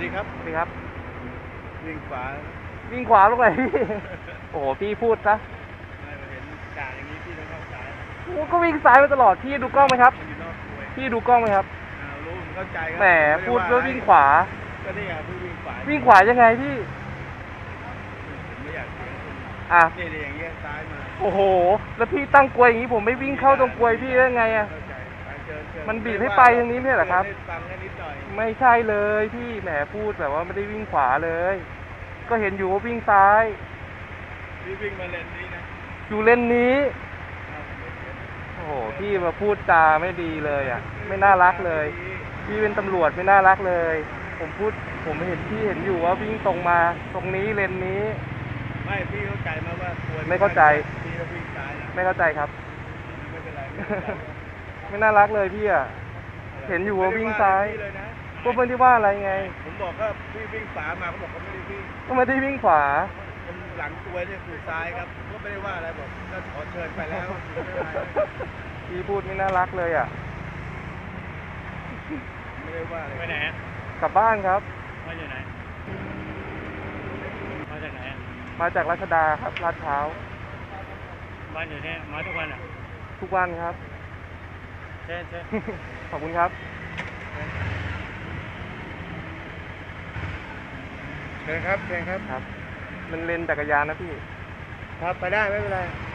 ดีครับสวัสดีครับวิ่งขวาวิ่งขวาลงไหนพี่ โอ้โหพี่พูดซะไม่เห็นจ่าอย่างนี้พี่ต้องเข้าซ้ายก็วิ่งซ้ายมาตลอดพี่ดูกล้องไหมครับอยู่นอกกลวยพี่ดูกล้องไหมครับรู้ผมเข้าใจครัแหมพูดว่าวิ่งขวาก็นี่ไงพี่วิ่งขวาวิ่งขวายังไงพี่ผมไม่อยากเสียงคุณอ่ะนี่อย่างเงี้ยซ้ายมาโอ้โหแล้วพี่ตั้งกลวยอย่างนี้ผมไม่วิ่งเข้าตรงกลวยพี่ได้ไงอ่ะเข้าใจมันบีบให้ไปทางนี้ไม่ใช่เหรอครับฟังแค่นิดหน่อยไม่ใช่เลยพี่แหมพูดแบบว่าไม่ได้วิ่งขวาเลย ก็เห็นอยู่ว่าวิ่งซ้ายพี่วิ่งมาเลนนี้นะอยู่เลนนี้โอ้โหพี่มาพูดจาไม่ดีเลยอ่ะไม่น่ารักเลยพี่เป็นตำรวจไม่น่ารักเลยผมเห็นพี่เห็นอยู่ว่าวิ่งตรงมาตรงนี้เลนนี้ไม่พี่เข้าใจมาว่าไม่เข้าใจพี่ก็วิ่งซ้ายนะไม่เข้าใจครับไม่เป็นไรไม่น่ารักเลยพี่อ่ะเห็นอยู่ว่าวิ่งซ้ายก็ไม่ได้ว่าอะไรไงผมบอกก็พี่วิ่งขวามาเขาบอกเขาไม่ได้วิ่งก็ไม่ได้วิ่งขวาหลังตัวเนี่ยคือซ้ายครับก็ไม่ได้ว่าอะไรบอกก็ขอเชิญไปแล้วพี่พูดไม่น่ารักเลยอ่ะไม่ได้ว่าอะไรไปไหนกลับบ้านครับมาจากไหนมาจากไหนมาจากรัชดาครับลาดพร้าวบ้านอยู่เนี่ยมาทุกวันอ่ะทุกวันครับเช่นขอบคุณครับเชิญครับครับมันเลนจักรยานนะพี่ครับไปได้ไม่เป็นไร